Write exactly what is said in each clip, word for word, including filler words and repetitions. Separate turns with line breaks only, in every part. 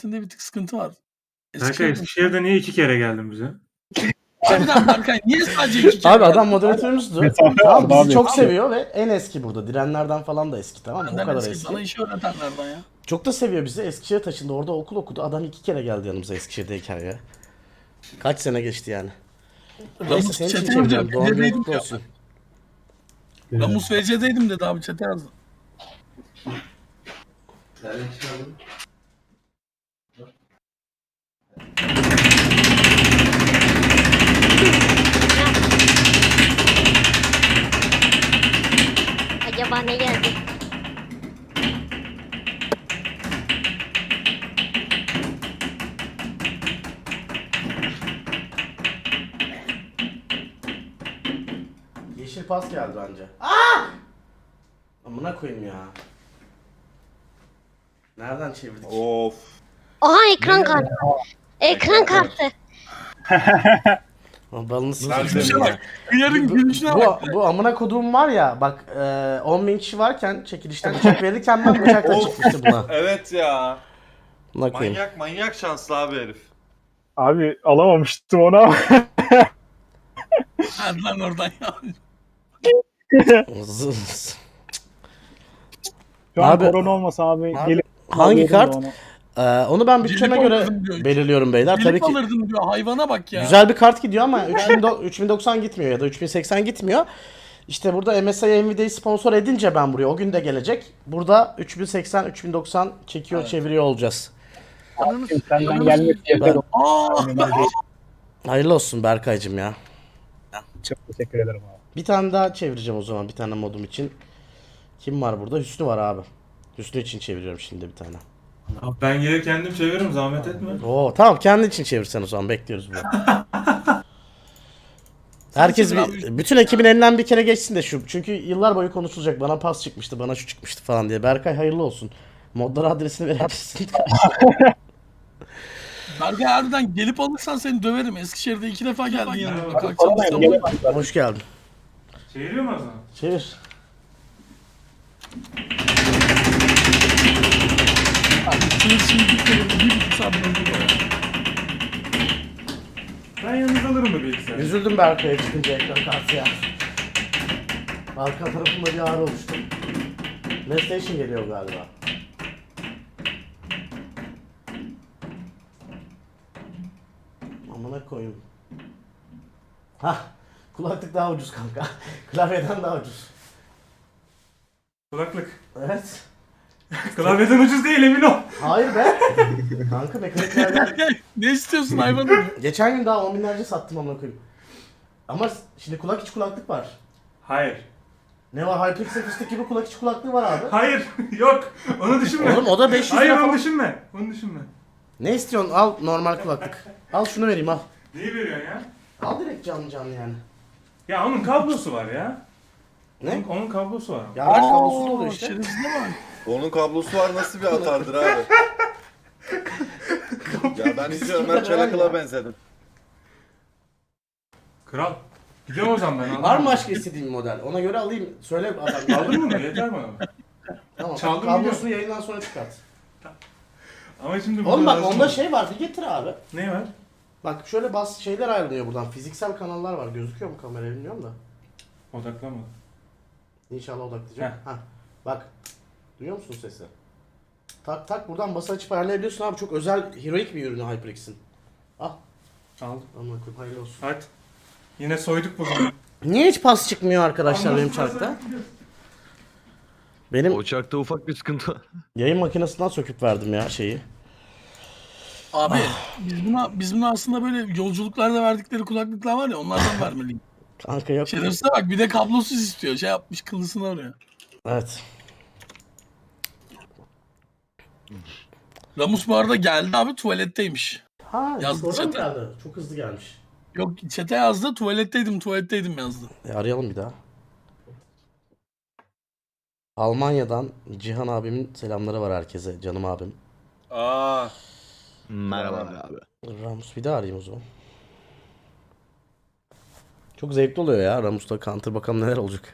bir tık sıkıntı var.
Berkay
Eskişehir'de
Eskişehir'de niye iki kere geldin bize?
harbiden Berkay niye sadece iki kere
Abi adam
geldin?
moderatörümüzdü. Tamam bizi çok seviyor ve en eski burada. Direnlerden falan da eski, tamam mı? O
Benden
kadar
eski,
eski.
bana işi öğretenlerden ya.
Çok da seviyor bizi. Eskişehir'e taşındı. Orada okul okudu. Adam iki kere geldi yanımıza Eskişehir'deyken ya. Kaç sene geçti yani. Neyse
Ramus
senin için
chat'e
çevireceğim.
yazıyor.
Doğum günün
Dedim
kutlu
ya.
olsun.
Ramus V C'deydim dedi abi chat'e yazdı.
Acaba ne geldi?
Yeşil pas geldi bence. Aa! Amına koyayım ya. Nereden çevirdik?
Of.
Oha ekran kartı. Ekran kartı.
Balını
Nerede
sikeyim
mi?
ya.
Hıyarın gülüşüne bak.
Bu, bu amına koduğum var ya bak e, on bin kişi varken çekilişten bıçak verirken ben bıçakla
Of.
çıkmıştı buna.
Evet ya.
Buna koyayım.
Manyak manyak şanslı abi herif.
Abi alamamıştım onu ama.
Hadi lan oradan ya.
Zız.
Şu an
Abi-
korona olmasa abi,
Abi,
gelip
hangi
alıyordum
kart?
da onu.
Ee, onu ben bütçeme
Gelip
göre
alırdım diyor.
belirliyorum beyler. Tabii
Gelip
ki
alırdım diyor hayvana bak ya.
güzel bir kart gidiyor ama üç bin do- üç bin doksan gitmiyor ya da üç bin seksen gitmiyor. İşte burada M S I Nvidia'yı sponsor edince ben buraya o gün de gelecek. Burada üç bin seksen üç bin doksan çekiyor
Evet.
çeviriyor olacağız.
Senden gelmek yeter.
Ben-
Aa,
Hayırlı olsun Berkay'cım ya.
Çok teşekkür ederim abi.
Bir tane daha çevireceğim o zaman bir tane modum için. Kim var burada? Hüsnü var abi. Hüsnü için çeviriyorum şimdi bir tane.
Abi ben gelir kendim çeviririm zahmet etme.
Oo tamam kendi için çevirsen o zaman bekliyoruz bunu. Herkes
çevir
bir, bütün ekibin elinden bir kere geçsin de şu. Çünkü yıllar boyu konuşulacak. Bana pas çıkmıştı, bana şu çıkmıştı falan diye. Berkay hayırlı olsun. Modlar adresini verebilirsin.
Berkay harbiden gelip alırsan seni döverim. Eskişehir'de iki defa geldin yanıma.
Abi,
Kalkacağım İstanbul'a.
Hoş geldin.
Çeviriyor mu o zaman?
Çevir.
Sınır şimdi gitmedim. Bir buçuk saat önce ya.
Ben yalnız alırım bu bilgisayarı.
Üzüldüm Berkay'a çıkınca ekran kartı ya. Arka tarafımda bir ağrı oluştu. PlayStation geliyor galiba. Amına koyayım. Hah. Kulaklık daha ucuz kanka. Klavyeden daha ucuz.
Kulaklık.
Evet.
Klavyeden ucuz değil emin ol.
Hayır be. Kanka mekaniklerden.
Ne istiyorsun hayvanım?
Geçen gün daha on binlerce sattım amına koyayım. Ama şimdi kulak içi kulaklık var.
Hayır.
Ne var? HyperX'e fıstık gibi kulak içi kulaklığı var abi.
Hayır. Yok. Onu düşünme.
Oğlum o da beş yüz
Hayır
lira
onu
falan.
düşünme. Onu düşünme.
Ne istiyorsun? Al normal kulaklık. Al şunu vereyim al.
Neyi veriyorsun ya?
Al direkt canlı canlı yani.
Ya onun kablosu var ya.
Ne?
Onun, onun kablosu var.
Ya ben kablosu da oluyor işte.
Şerefsizine bak.
Onun kablosu var nasıl bir atardır abi. Ya ben iyice Ömer Çelakıl'a benzedim.
Kral. Gidiyorum o zaman ben. anladın
Var mı
mı?
başka istediğin bir model? Ona göre alayım. Söyle adam.
Aldın mı bunu? Yeter bana.
Tamam.
Çaldım
Kablosunu yayından sonra çıkart.
Ama şimdi
Oğlum bak
lazım
onda
mı?
şey var. Bir getir abi.
Ne var?
Bak şöyle bas şeyler ayrılıyor buradan. Fiziksel kanallar var. Gözüküyor mu kameraya bilmiyorum da.
Odaklamadım.
İnşallah odaklayacağım. Heh. Bak. Duyuyor musun sesi? Tak tak buradan basa açıp ayarlayabiliyorsun abi. Çok özel heroik bir ürünü HyperX'in. Al.
Aldım.
Amına koyayım hayırlı olsun.
Hadi. Yine soyduk bugün.
Niye hiç pas çıkmıyor arkadaşlar benim çarkta? Benim
O çarkta ufak bir sıkıntı var.
yayın makinesinden söküp verdim ya şeyi.
Abi biz buna, biz buna aslında böyle yolculuklarda verdikleri kulaklıklar var ya onlardan vermeliyim.
Kanka yok.
Şerefsize bak bir de kablosuz istiyor. Şey yapmış kılısını arıyor.
Evet.
Ramus bu arada geldi abi tuvaletteymiş.
Ha,
Yazdı
oradan mı
chat'e.
geldi? Çok hızlı gelmiş.
Yok chat'e yazdı tuvaletteydim tuvaletteydim yazdı.
E, arayalım bir daha. Almanya'dan Cihan abimin selamları var herkese. Canım abim.
Aa.
Merhaba abi.
Ramus bir daha arayayım o zaman. Çok zevkli oluyor ya Ramus'la counter, bakalım neler olacak.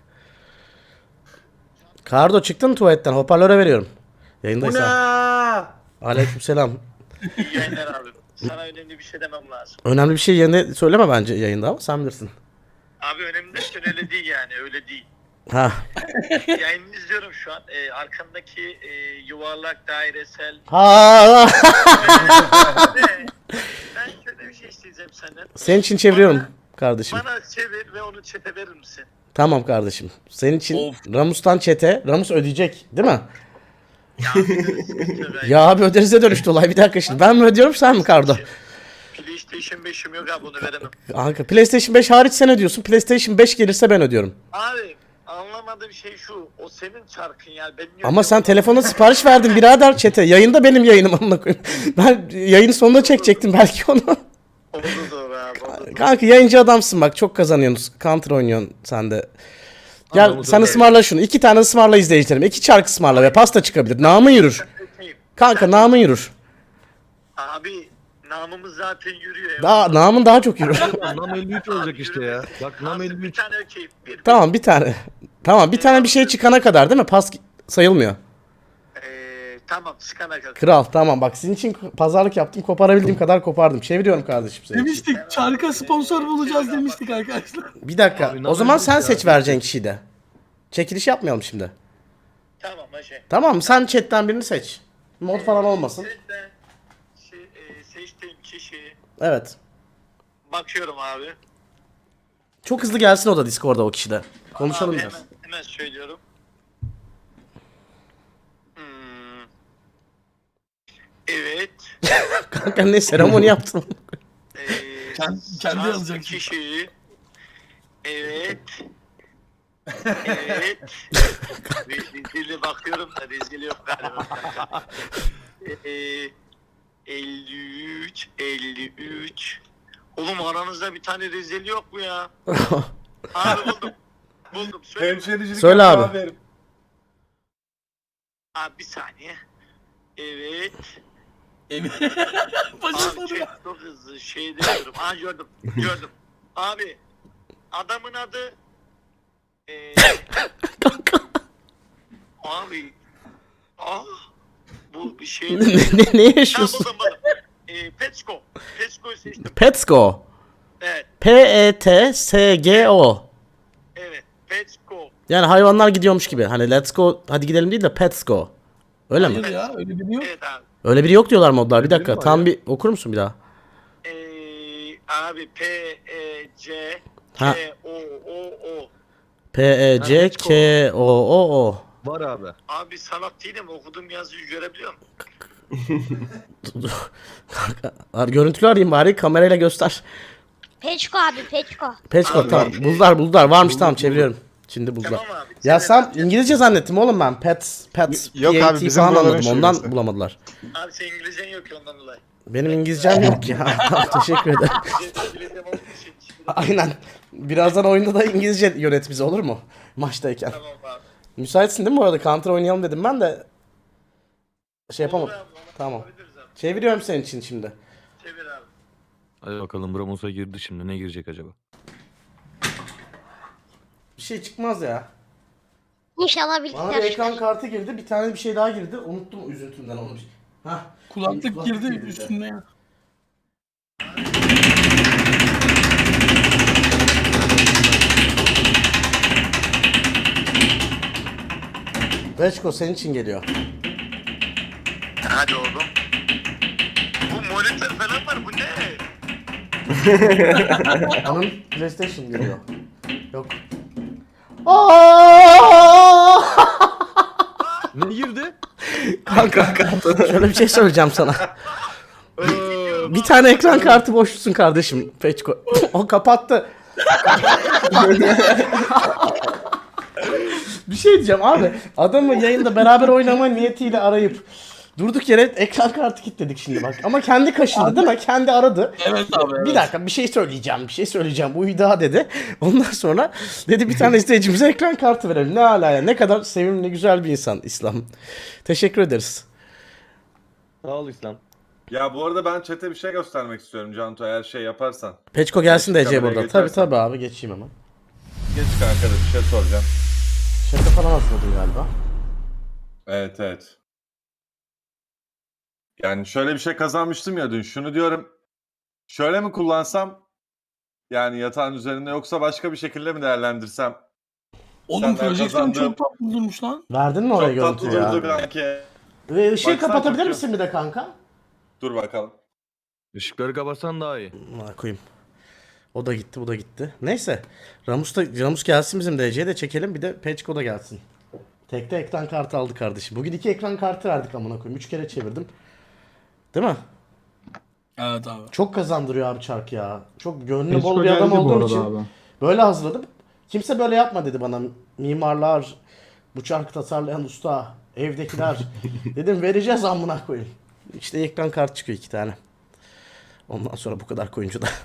Kardo çıktın mı tuvaletten? Hoparlöre veriyorum. Yayındaysan. Aleykümselam.
İyi yayınlar abi. Sana önemli bir şey demem lazım.
Önemli bir şey yerine söyleme bence yayında ama sen bilirsin.
Abi önemli derken öyle değil yani öyle değil.
Ha.
Yayını izliyorum şu an. Ee, arkandaki e, yuvarlak dairesel.
Ha.
Ve ben şöyle bir şey isteyeceğim senden.
Senin için çeviriyorum kardeşim.
Bana çevir ve onu çete verir misin?
Tamam kardeşim. Senin için
Of.
Ramus'tan çete. Ramus ödeyecek değil mi?
Ya bir sıkıntı ben.
Ya abi öderize dönüştü olay. Bir dakika şimdi. Ben mi ödüyorum sen mi Kardo?
PlayStation beşim yok abi onu veremem.
Kanka PlayStation beş hariç sen ödüyorsun. PlayStation beş gelirse ben ödüyorum.
Abi anlamadığım şey şu. O senin çarkın ya. Benim
Ama sen telefona sipariş verdin birader çete. Yayında benim yayınım amına koyayım. Ben yayın sonunda çekecektim belki onu.
Oldu doğru abi. Oldu.
Kanka yayıncı adamsın bak çok kazanıyorsun. Counter oynuyorsun sen de. Gel
Anladım,
sen
öyle.
ısmarla şunu. İki tane ısmarla izleyicilerim. İki çark ısmarla ve pasta çıkabilir. Namın yürür. Kanka namın yürür.
Abi namımız zaten yürüyor. ya.
Daha, namın daha çok yürür.
Nam elli üç olacak işte ya. Bak Nam
Abi
elli
bir
üç.
tane okey. Bir,
Tamam bir tane. Tamam bir tane bir şey çıkana kadar değil mi? Pas sayılmıyor.
Ee, tamam çıkana kadar.
Kral tamam bak sizin için pazarlık yaptım. Koparabildiğim kadar kopardım. Çeviriyorum kardeşim seni.
Demiştik çarka sponsor bulacağız demiştik arkadaşlar.
Bir dakika.
Abi,
O zaman
namın
sen
ya.
seç vereceğin kişiyi de. Çekiliş yapmayalım şimdi.
Tamam hacı.
Tamam mı? Sen chatten birini seç. Mod falan olmasın.
Seçten, şey, e, seçtiğim kişi
Evet.
bakıyorum abi.
Çok hızlı gelsin o da Discord'da o kişide. Konuşalım
abi
biraz.
hemen, hemen söylüyorum. Hmm. Evet.
Kanka ne seremoni yaptın?
Ee,
Kendi- kendi
şanslı
yazacak.
kişi. Evet. Evet. Rezili bakıyorum da rezili yok galiba. Ee, elli üç, elli üç. Oğlum aranızda bir tane rezil yok mu ya? Abi buldum. Buldum. Söyle.
Hemşericilik
Söyle
yapıyor
abi.
herif.
Abi bir saniye. Evet.
Emin.
Abi
Başladı.
çok, çok hızlı şey demiyorum. Aa gördüm. Gördüm. Abi adamın adı eee abi ah bu bir şey
ne, ne, ne
Ha,
yaşıyorsun?
buldum buldum. Eee Petsko. Petsko'yu seçtim.
Petsko.
Evet.
P E T S G O.
Evet. Petsko.
Yani hayvanlar gidiyormuş gibi. Hani let's go hadi gidelim değil de pets go. Öyle mi?
Hayır ya öyle bir yok.
Evet abi.
Öyle biri yok diyorlar modlar. Bir dakika.
mi var
Tam
ya?
bir okur musun bir daha?
Eee abi P E C
Ha.
K O O O.
P E C K O O O.
Var abi.
Abi sanat değilim okuduğum yazıyı görebiliyor musun?
Kanka, görüntülü arayayım bari kamerayla göster.
Peçko abi Peçko.
Petsko
Abi,
tamam.
e,
Buldular buldular. Varmış tamam çeviriyorum. Şimdi buldular.
Tamam abi.
Ya
Sen-
sen İngilizce zannettim oğlum ben. Pets, pets,
Yok
P A
abi,
T
bizim
falan
buraların
anladım. Ondan
şivesi.
bulamadılar.
Abi sen İngilizcen yok ki ondan dolayı.
Benim İngilizcem yok ya. Teşekkür ederim.
İngilizcem olduğu için şimdi-
Aynen. Birazdan oyunda da İngilizce yönet bizi olur mu? Maçtayken.
Tamam abi.
Müsaitsin değil mi bu arada? Counter oynayalım dedim ben de. Şey yapamadım.
Olur abi, onu
Tamam.
yapabiliriz abi.
Çeviriyorum senin için şimdi.
Çevir abi.
Hadi bakalım Ramus'a girdi şimdi. Ne girecek acaba?
Bir şey çıkmaz ya.
İnşallah
Bana bir
birlikte
ekran kartı girdi. Bir tane bir şey daha girdi. Unuttum üzüntümden onu. Hah.
Kulaklık girdi üstünde ya.
Reçko senin için geliyor.
Hadi oğlum. Bu monitör falan var bu ne?
Onun PlayStation geliyor. Yok. Aa!
Ne girdi?
Kanka şöyle bir şey söyleyeceğim sana. Bir tane ekran kartı boşlusun kardeşim. Peçko. O kapattı. Bir şey diyeceğim abi. Adamı yayında beraber oynama niyetiyle arayıp durduk yere ekran kartı kilitledik şimdi bak. Ama kendi kaşındı değil mi? Kendi aradı.
Evet abi evet.
Bir dakika bir şey söyleyeceğim, bir şey söyleyeceğim. Bu daha dedi. Ondan sonra dedi bir tane izleyicimize ekran kartı verelim. Ne ala ya. Ne kadar sevimli, güzel bir insan İslam. Teşekkür ederiz.
Sağ ol İslam.
Ya bu arada ben chat'e bir şey göstermek istiyorum Canto eğer şey yaparsan.
Peçko gelsin de Ece
Kameraya
burada. Tabii
geçersen.
tabii abi geçeyim hemen.
Geç kanka da bir şey soracağım.
Şaka falan hazırladın galiba.
Evet evet. Yani şöyle bir şey kazanmıştım ya dün. Şunu diyorum. Şöyle mi kullansam? Yani yatağın üzerinde yoksa başka bir şekilde mi değerlendirsem?
Oğlum
Senden
projeksiyon
kazandığım-
çok tatlı durmuş lan.
Verdin mi oraya
Çok tatlı
görüntü ya?
durdu kanki.
Ve ışığı
Baksana
kapatabilir
çok-
misin bir de kanka?
Dur bakalım.
Işıkları kapatsan daha iyi.
Buna koyayım. O da gitti, bu da gitti. Neyse. Ramus da Ramus gelsin, bizim D C'ye de çekelim, bir de Peçko da gelsin. Tekte ekran kartı aldı kardeşim. Bugün iki ekran kartı verdik amına koyayım. Üç kere çevirdim. Değil mi?
Evet abi.
Çok kazandırıyor abi çark ya. Çok gönlü
Peçko
bol bir adam
geldi bu
olduğum
arada
için
abi.
böyle hazırladım. Kimse böyle yapma dedi bana. Mimarlar, bu çarkı tasarlayan usta, evdekiler. Dedim vereceğiz amına koyayım. İşte ekran kartı çıkıyor iki tane. Ondan sonra bu kadar koyunca da.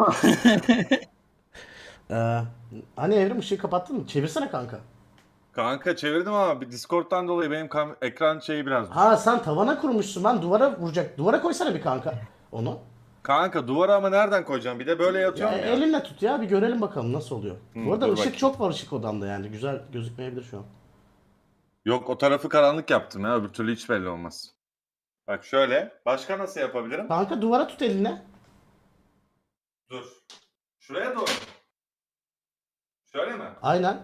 ee, hani Evrim ışığı kapattın mı? Çevirsene kanka.
Kanka çevirdim ama bir Discord'dan dolayı benim kam- ekran şeyi biraz...
Ha sen tavana kurmuşsun, ben duvara vuracak. Duvara koysana bir kanka onu.
Kanka duvara ama nereden koyacağım? Bir de böyle
Ya,
yatıyorum ya.
elinle tut ya, bir görelim bakalım nasıl oluyor.
Hı,
Bu arada
dur
ışık
bakayım.
çok var ışık odamda yani. Güzel gözükmeyebilir şu an.
Yok o tarafı karanlık yaptım ya. Öbür türlü hiç belli olmaz. Bak şöyle. Başka nasıl yapabilirim?
Kanka duvara tut eline.
Dur. Şuraya doğru. Şöyle mi?
Aynen.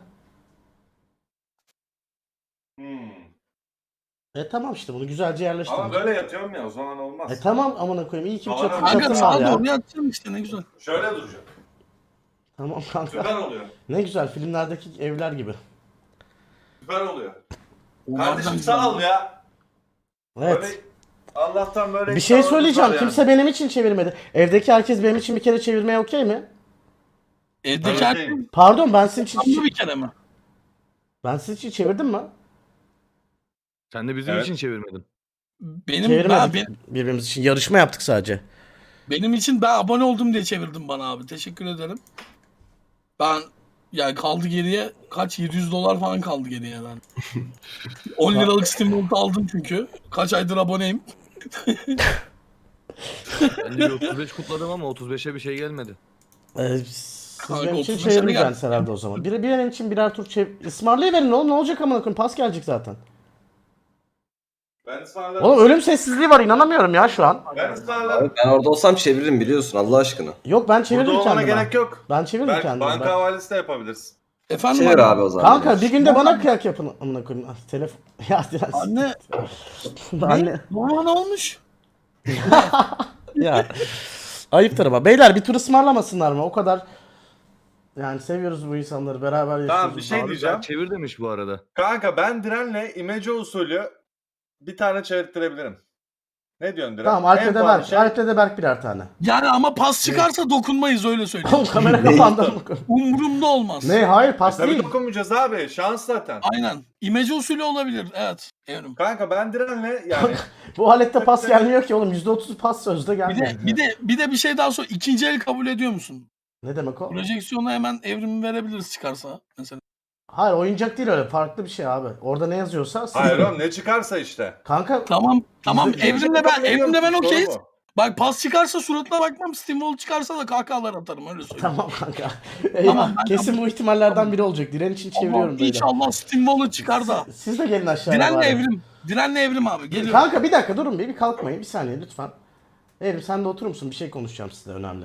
Hmm.
E tamam işte bunu güzelce yerleştir.
Ama böyle yatıyorum ya o zaman olmaz.
E tamam amına koyayım. İyi ki bir
Tamam,
çatı,
kanka,
Kanka
çatın var
sağa
ya.
doğru yatacağım işte ne güzel.
Şöyle duracak.
Tamam kanka.
Süper oluyor.
Ne güzel filmlerdeki evler gibi.
Süper oluyor.
Onlardan
Kardeşim
güzel.
sağ ol ya.
Evet.
Böyle Allah'tan böyle
Bir şey
insanlarımız
söyleyeceğim.
var yani.
Kimse benim için çevirmedi. Evdeki herkes benim için bir kere çevirmeye okey mi?
Evdeki
Evet,
herkes
değil.
Pardon ben sizin için
tam bir kere mi?
ben sizin için çevirdim mi?
Sen de bizim
Evet.
için çevirmedin.
Benim
Çevirmedik.
ben, ben-
Birbirimiz için yarışma yaptık sadece.
benim için ben abone oldum diye çevirdim bana abi. Teşekkür ederim. Ben yani kaldı geriye kaç yedi yüz dolar falan kaldı geriye ben. on liralık Steam Vault aldım çünkü. Kaç aydır aboneyim.
Ben de bir otuz beş kutladım ama otuz beşe bir şey gelmedi.
Ee, siz
Kanka,
benim için
otuz beşe mi
çevirmeyeceksiniz herhalde o zaman. Biri bir an için birer tur çevir. Ismarlayıverin oğlum, ne olacak amına koyayım, pas gelecek zaten.
Ben ısmarlarım.
Oğlum ölüm sessizliği var, inanamıyorum ya şu an.
Ben ısmarlarım.
Ben orada olsam çeviririm biliyorsun Allah aşkına.
Yok ben çeviririm
Burada olmana
kendime.
gerek yok.
Ben çeviririm
Ben,
kendime.
banka
Ben-
havalesi de yapabilirsin.
Efendim
Çevir
anne?
abi o zaman.
Kanka bir günde bana kıyak yapın amına koyayım. Ah, telefon. Ya biraz.
Anne
Anne.
baba ne olmuş?
Ya. Ayıptır ama. Beyler bir tur ısmarlamasınlar mı? O kadar. Yani seviyoruz bu insanları. Beraber yaşıyoruz.
Tamam, bir şey
Abi
diyeceğim.
ben çevir demiş bu arada.
Kanka ben Diren'le imece usulü bir tane çevirttirebilirim. Ne diyorsun Diren?
Tamam
En
Alp'le de
pahalı
Berk.
şey-
Alp'le de Berk birer tane.
Yani ama pas çıkarsa dokunmayız öyle söyleyeyim.
Oğlum kamera kapandı amına koyayım.
Umurumda olmaz.
Ne hayır pas
Tabii
değil.
dokunmayacağız abi. Şans zaten.
Aynen. İmece usulü olabilir. Evet. Evrim.
Kanka ben Diren'le yani
Bu alette pas gelmiyor ki oğlum. yüzde otuz pas sözde
Bir
gelmiyor.
de bir de bir de bir şey daha sor. İkinci el kabul ediyor musun?
Ne demek o?
Projeksiyona hemen evrimi verebiliriz çıkarsa mesela.
Hayır oyuncak değil öyle. Farklı bir şey abi. Orada ne yazıyorsa. siz-
hayır oğlum ne çıkarsa işte.
Kanka
Tamam tamam
Yüzde-
evrimle ben evrimle ben
Sorun
okeyiz.
mu?
Bak pas çıkarsa suratına bakmam. Steamwall çıkarsa da kahkahalar atarım öyle söyleyeyim.
tamam kanka. Eyvah.
ben
Kesin bu ihtimallerden biri olacak. Diren için çeviriyorum
Allah'ım,
böyle.
İnşallah Steamwall'u çıkar da.
Siz de gelin aşağıya.
Direnle
bari.
evrim. Direnle evrim abi. Geliyor.
Kanka bir dakika durun bir, bir kalkmayın bir saniye lütfen. Evrim sen de oturur musun? Bir şey konuşacağım size önemli.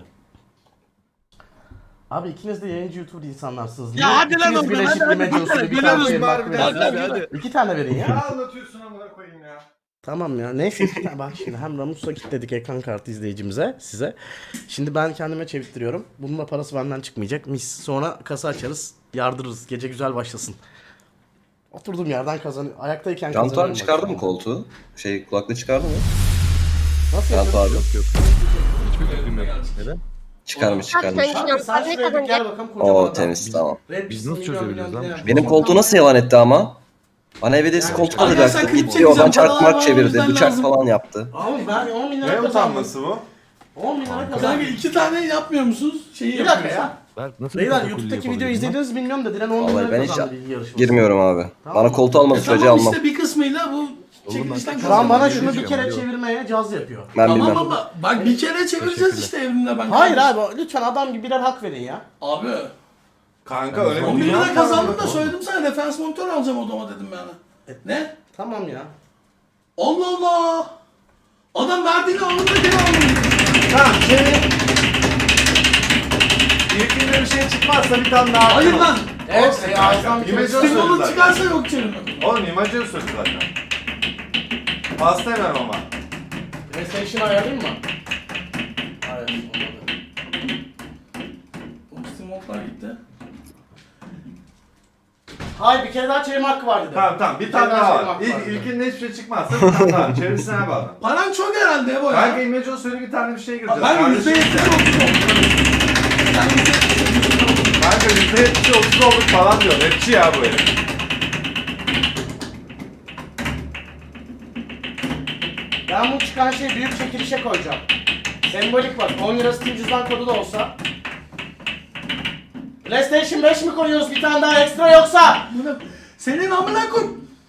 Abi ikiniz de yayıncı YouTuber insanlarsınız.
Ya
Niye
hadi lan
ikiniz
oğlum,
birleşik
hadi, hadi,
imece
hadi,
usulü bir
geliyoruz
kalkmayın,
bari
bak
bir
biraz.
Hadi, hadi.
İki tane verin ya.
Ne anlatıyorsun amına koyayım ya?
Tamam ya. Neyse iki tane. Bak şimdi hem Ramus'la kilitledik ekran kartı izleyicimize, size. Şimdi ben kendime çevirttiriyorum. Bunun da parası benden çıkmayacak. Mis. Sonra kasa açarız. Yardırırız. Gece güzel başlasın. Oturduğum yerden kazanıyorum. Ayaktayken
Cantu
kazanıyorum.
abi çıkardı
bak.
mı koltuğu? Şey kulaklığı çıkardı mı?
Nasıl
Cantu
yapıyorsun?
abi.
Yok. Hiçbir fikrim yok. Neden?
Çıkarmış
Abi
çıkarmış.
sen
Kanka sen
Ne
şuraya bir
kadar
gel bakalım kocaman
Oo
adam.
temiz tamam.
Red
Biz
Bull'un
nasıl
milyon
çözebiliriz
milyon
lan?
diyen-
Benim koltuğu nasıl yalan etti ama? Bana ev hediyesi
Yani
koltuk
çıkar-
Arkadaşlar
alacaktı.
klip
Gitti
çekeceğim,
oradan
paralar
çarkmak
var, o
çevirdi.
yüzden
Bıçak
lazım.
falan yaptı.
Abi ben on bin lira
Ne
kazandım.
utanması bu?
on bin lira
Kanka
kazandım.
iki tane yapmıyor musunuz? Şeyi
Bir dakika
yapıyorsun.
ya.
Berk nasıl
Beyler
protokol
YouTube'daki
yapabilirim
videoyu
lan?
izlediniz mi bilmiyorum da Diren on bin
Vallahi
lira
ben hiç
kazandı bilgi yarışması.
girmiyorum abi.
Tamam.
Bana koltuğu almadı
E
sürece
tamam
almam.
işte bir kısmıyla bu çekilişten
ben-
Şu an bana
kazandım.
şunu bir
Diyeceğim,
kere
yok.
çevirmeye caz yapıyor.
Ben
Tamam
bilmem.
ama bak bir kere çevireceğiz
Teşekkürler.
işte evrimle ben.
Hayır
kardeşim.
abi lütfen adam gibi birer hak verin ya.
Abi
Kanka öyle
on bin
bir
lira
dünya
kazandım
var
da
mı?
söyledim sana referans monitör alacağım odama dedim yani. Ne?
Tamam ya.
Allah Allah. Adam verdiğini anında geri almıyor.
Tamam çevir. İlkinde bir şey çıkmazsa bir tane daha.
Hayır lan.
Evet, e, ağzından bir
İmece
kere
söyledi
Stimulus
zaten.
çıkarsa yok çevirme.
Oğlum imajı söyledi zaten. Pasta yemem ama.
PlayStation ayarlayayım mı? Hayır, olmadı.
O Stimulus'lar gitti.
Hayır, bir kere daha çevirme hakkı var dedi.
Tamam tamam bir tane
kere
daha
çevirme
var.
hakkı
İlk,
var dedi.
ilkinde hiçbir şey çıkmazsa bir tane daha. Çevirisine bağlı.
Paran çok herhalde bu
Kanka
ya.
imajı söyle bir tane bir şey gireceğiz.
Ben yüzde
Kardeşim
yetmiş
ya.
otuz oldum.
Kanka yüzde yetmiş otuz olduk falan diyor. Rapçi ya bu herif.
Ben bu çıkan şeyi büyük çekilişe koyacağım. Sembolik bak, on lira Steam cüzdan kodu da olsa. PlayStation beş mi koyuyoruz bir tane daha ekstra yoksa?
Bunu- Senin amına koy.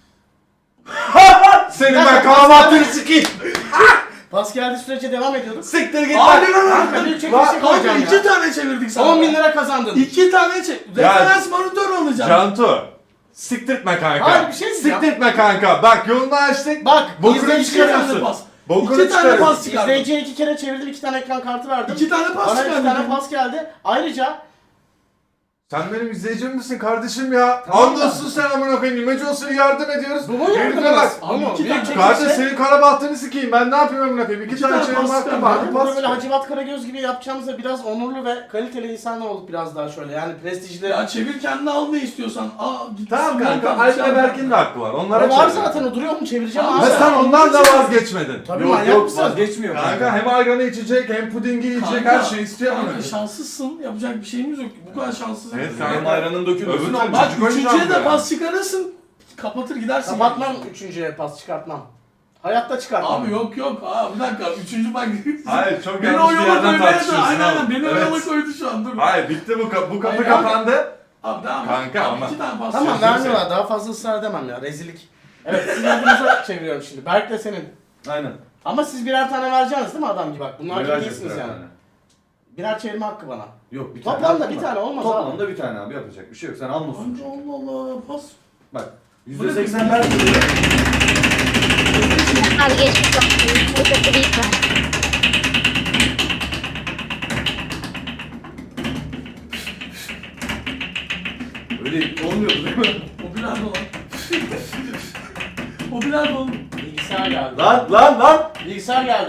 Senin ben kalabahtını sikeyim.
Pas geldiği sürece devam ediyorduk.
Siktir git
Abi
lan.
lan
Kanka büyük
lan.
çekilişe
Kanka
koyacağım
iki
ya.
tane çevirdik sana.
on bin lira kazandın.
İki tane çek.
Ya-
Referans monitör alacağım.
Cantu. Siktirtme kanka.
Hayır, bir şey diyeceğim.
Siktirtme kanka. Bak yolunu açtık.
Bak,
Bokunu
izleyici
İki tane
çıkarıyorsun.
pas.
Bokunu
İki tane
çıkarıyorsun.
pas çıkardım.
İzleyiciye iki kere çevirdim, iki tane ekran kartı verdim.
İki tane pas
Bana iki
çıkardım.
tane pas geldi. Ayrıca
Sen benim izleyicim misin kardeşim ya?
Tamam
Andolsun sen amına koyayım. İmece olsun yardım ediyoruz.
bu mu
Herife
yardımınız?
bak.
Bu mu?
iki
Büyük
tane-
çekilişe.
Kardeş senin kara bahtını sikeyim. Ben ne yapayım amına koyayım? İki,
İki
tane
tane
çevirme
pas
hakkım
çıkardım.
var.
Ben
Bir
burada
pas.
böyle Hacivat Karagöz gibi yapacağımızda biraz onurlu ve kaliteli insanlar olduk biraz daha şöyle. Yani prestijli.
Ya çevir kendini al ne istiyorsan. Aa git.
Tamam kanka.
Alp
Alp ve Berk'in de hakkı var. Onlara
O var
çevir.
zaten, o duruyor mu? Çevireceğim
Tamam,
abi.
Ve sen ondan da vazgeçmedin.
Tabii
Yok
manyak
yok
mısın?
vazgeçmiyor
Kanka hem ayranı içecek hem pudingi yiyecek her şeyi istiyor amına
Kanka
koyayım.
şanslısın. Yapacak bir şeyimiz yok. Bu kadar şanssız.
Evet,
değiliz.
kanka.
Benim ayranın dökülmesi
Öbür
normal.
Bak
Çocuk oynayacağım
üçüncüye de
ya.
pas çıkarırsın. Kapatır gidersin.
Kapatmam üçüncüye pas çıkartmam. Hayatta çıkartmam.
Abi yok yok. Aa bir dakika. Üçüncü bak.
Hayır çok
Beni
yanlış bir
oyala
yerden
koymaya da.
tartışıyorsun.
Aynen aynen.
abi.
Beni
Evet.
oyala koydu şu an. Dur.
Hayır bitti bu, kapı bu kapı
Hayır,
kapandı.
Abi devam.
Kanka
Abi,
ama-
iki tane pas.
Tamam
Sözünü
vermiyorlar. Daha fazla ısrar edemem ya. Rezillik. Evet, sizin adınıza çeviriyorum şimdi. Berk de senin.
Aynen.
Ama siz birer tane vereceksiniz değil mi adam gibi bak. Bunlar gibi
Vereceğiz
değilsiniz
birer
yani.
tane.
Birer çevirme hakkı bana.
Yok bir tane.
Toplamda
hakkım
bir
var.
tane olmaz abi.
Toplamda bir tane abi yapacak bir şey yok. Sen almasın.
Kanka Allah Allah pas.
Bak.
Bu
yüzde
ne
seksen
peki?
ben diyor.
Hadi geçmiş olsun. Bu kötü bir ihbar.
Öyle olmuyordu değil mi?
O birer dolar. O birer dolar.
Bilgisayar geldi.
Lan lan lan!
Bilgisayar geldi.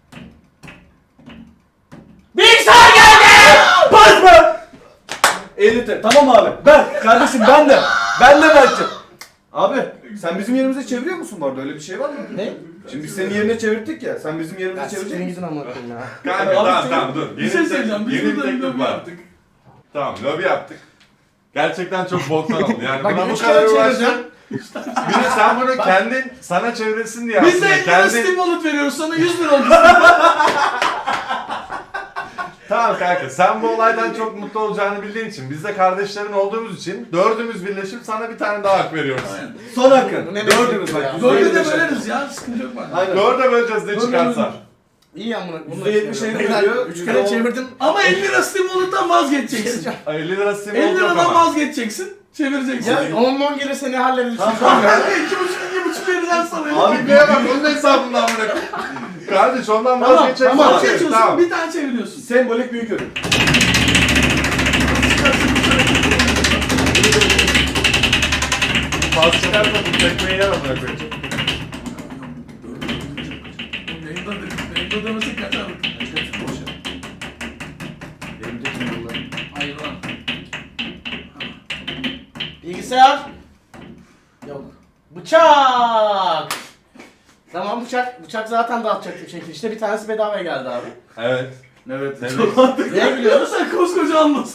Bilgisayar geldi!
Pas mı? elli T. Tamam abi. Ben kardeşim ben de. Ben de belki. Abi sen bizim yerimize çeviriyor musun bu arada? Öyle bir şey var mı?
Ne?
Şimdi biz senin yerine çevirdik ya. Sen bizim
Ya
yerimize
siktirin
çevirecek misin?
gidin amına koyayım ya.
Kanka
Abi,
tamam
sen-
tamam dur.
Bir şey söyleyeceğim. Biz
yeni
burada
teklif
lobi
var.
yaptık.
Tamam lobi yaptık. Gerçekten çok boktan oldu. Yani
Bak,
buna bu
üç
kadar
kere
uğraştın.
çevirdim.
Bir de sen bunu kendin sana çevirsin diye
Biz de
aslında.
elli lira
Kendin...
Steam Wallet veriyoruz sana yüz lira oldu.
Tamam kanka sen bu olaydan çok mutlu olacağını bildiğin için biz de kardeşlerin olduğumuz için dördümüz birleşip sana bir tane daha hak veriyoruz.
Son hakkın.
Bu ne
Dördümüz
demek
bak.
ya?
yüzde
Dörde
yirmi
de
beş.
böleriz ya. Sıkıntı yok bende.
Aynen.
Dörde böleceğiz ne çıkarsa.
İyi amına. Bunu
yüzde
da
yetmiş
çeviriyorum.
elli veriyor,
Üç
yüzde
kere
on.
çevirdim.
Ama elli lira Steam Wallet'tan vazgeçeceksin.
elli lira Steam
elli
oldu yok
liradan
ama.
vazgeçeceksin. Çevireceksin.
Ya on on gelirse ne hallederiz?
Tamam.
Kanka iki buçuk iki buçuk vereceğim sana.
Abi neye bak onun hesabından bırak. Kardeş ondan
Tamam,
vazgeçeceksin.
tamam.
Vazgeçiyorsun
Tamam.
bir tane çeviriyorsun.
Sembolik büyük ödül.
Pas çıkarsa bu tekmeyi yer amına koyayım.
Yayında yayında demesek kaçardık.
Benim de kim bunlar?
Hayır lan.
Bilgisayar. Yok. Bıçak. Tamam bıçak. Bıçak zaten dağıtacaktım çekilişte. Bir tanesi bedavaya geldi abi.
Evet.
Evet.
Evet.
Neye gülüyorsun?
Sen koskoca anlasın.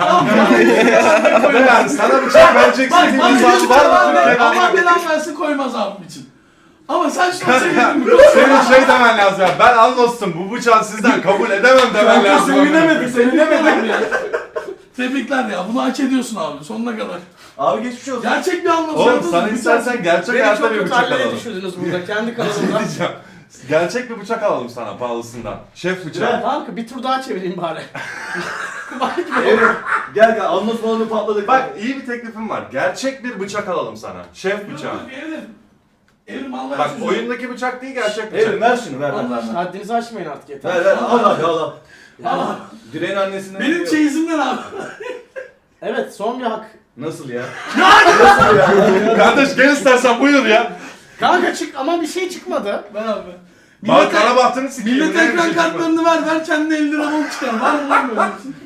Yani sana bıçak vereceksin
Bak
diye
bana
bir
bir
zam var
var
mı? Türkiye'de
Allah
hani-
belan versin koymaz abim için. Ama sen şunu sevdin mi?
Senin şey demen lazım ya. Ben anlasın bu bıçağı sizden kabul edemem demen lazım.
Sevinemedik, sevinemedik ya. Tebrikler ya, bunu hak ediyorsun abi sonuna kadar.
Abi geçmiş olsun.
Gerçek bir anlamda.
Oğlum sana istersen gerçek
Beni
hayatta
çok
bir
kötü
bıçak
hallere
alalım.
düşürdünüz burada kendi
Bir şey
kanalımda.
diyeceğim. Gerçek bir bıçak alalım sana pahalısından. Şef bıçağı.
Kanka bir tur daha çevireyim bari.
Evet. Gel gel anlat balonu patladık.
Bak iyi bir teklifim var. Gerçek bir bıçak alalım sana. Şef bıçağı.
Evrim al ver
Bak
şunu.
oyundaki bıçak değil gerçek bıçak.
Evrim ver şunu ver ver. ver.
Haddinizi aşmayın artık yeter.
Ver ver al abi al al.
Al.
Direğin annesinden
Benim
geliyor.
çeyizimden abi.
Evet son bir hak.
Nasıl ya?
Kardeş gel istersen buyur ya.
Kanka çık ama bir şey çıkmadı.
Ben abi.
Bak
Millet,
kara bahtını sikeyim.
millet
ne bir
ekran
şey çıkmadı.
kartlarını ver ver kendine elli lira bol çıkar. Var mı lan böyle bir şey?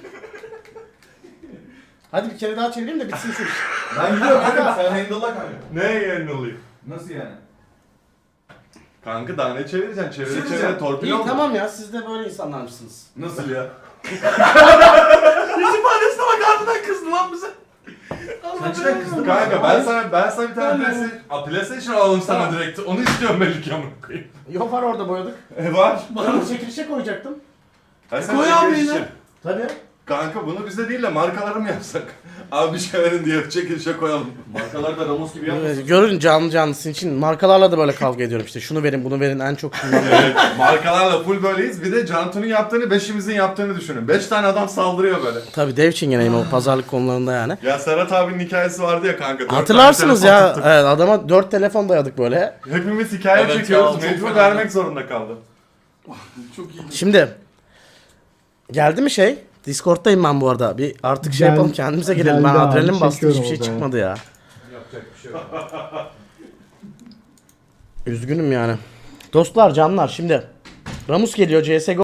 Hadi bir kere daha çevireyim de bitsin şu iş.
Ben gidiyorum kanka sen handle'la kanka.
Ne yerini olayım?
Nasıl yani?
Kanka daha ne çevireceksin? Çevire
Çevireceğim.
çevire torpil
İyi
oldu.
tamam ya siz de böyle insanlarmışsınız.
Nasıl ya?
Yüz ifadesine bak ardından kızdı lan bize.
Kaçına kızdın?
Kanka ben sana ben sana bir tane PlayStation, A, PlayStation alalım sana direkt. Onu istiyorum belli ki amına koyayım.
Yok var orada boyadık.
E var.
Ben çekilişe koyacaktım.
Ha, sen
Koy
çekiliş
abi yine.
için.
Tabii.
Kanka bunu bize değil de markalara mı yapsak? Abi bir şey verin diye çekilişe koyalım.
Markalar da Ramos gibi yapmasın.
Görün canlı canlısın için markalarla da böyle kavga ediyorum işte. Şunu verin bunu verin en çok şundan verin.
Evet, markalarla full böyleyiz. Bir de Cantu'nun yaptığını, beşimizin yaptığını düşünün. Beş tane adam saldırıyor böyle.
Tabii dev çingeneyim o pazarlık konularında yani.
Ya Serhat abinin hikayesi vardı ya kanka. dört
Hatırlarsınız
tane telefon
ya
tuttuk.
evet, adama dört telefon dayadık böyle.
Hepimiz hikaye
Evet
çekiyoruz.
ya, çok
Mecbur
fena.
vermek zorunda kaldı.
Çok iyi.
Şimdi geldi mi şey? Discord'dayım ben bu arada. Bir artık şey
Gel-
yapalım kendimize gelelim. Ben
geldi abi,
adrenalin bastı hiçbir
çekiyorum
şey
o zaman.
çıkmadı ya.
Yapacak bir şey yok.
Üzgünüm yani. Dostlar canlar şimdi Ramus geliyor C S G O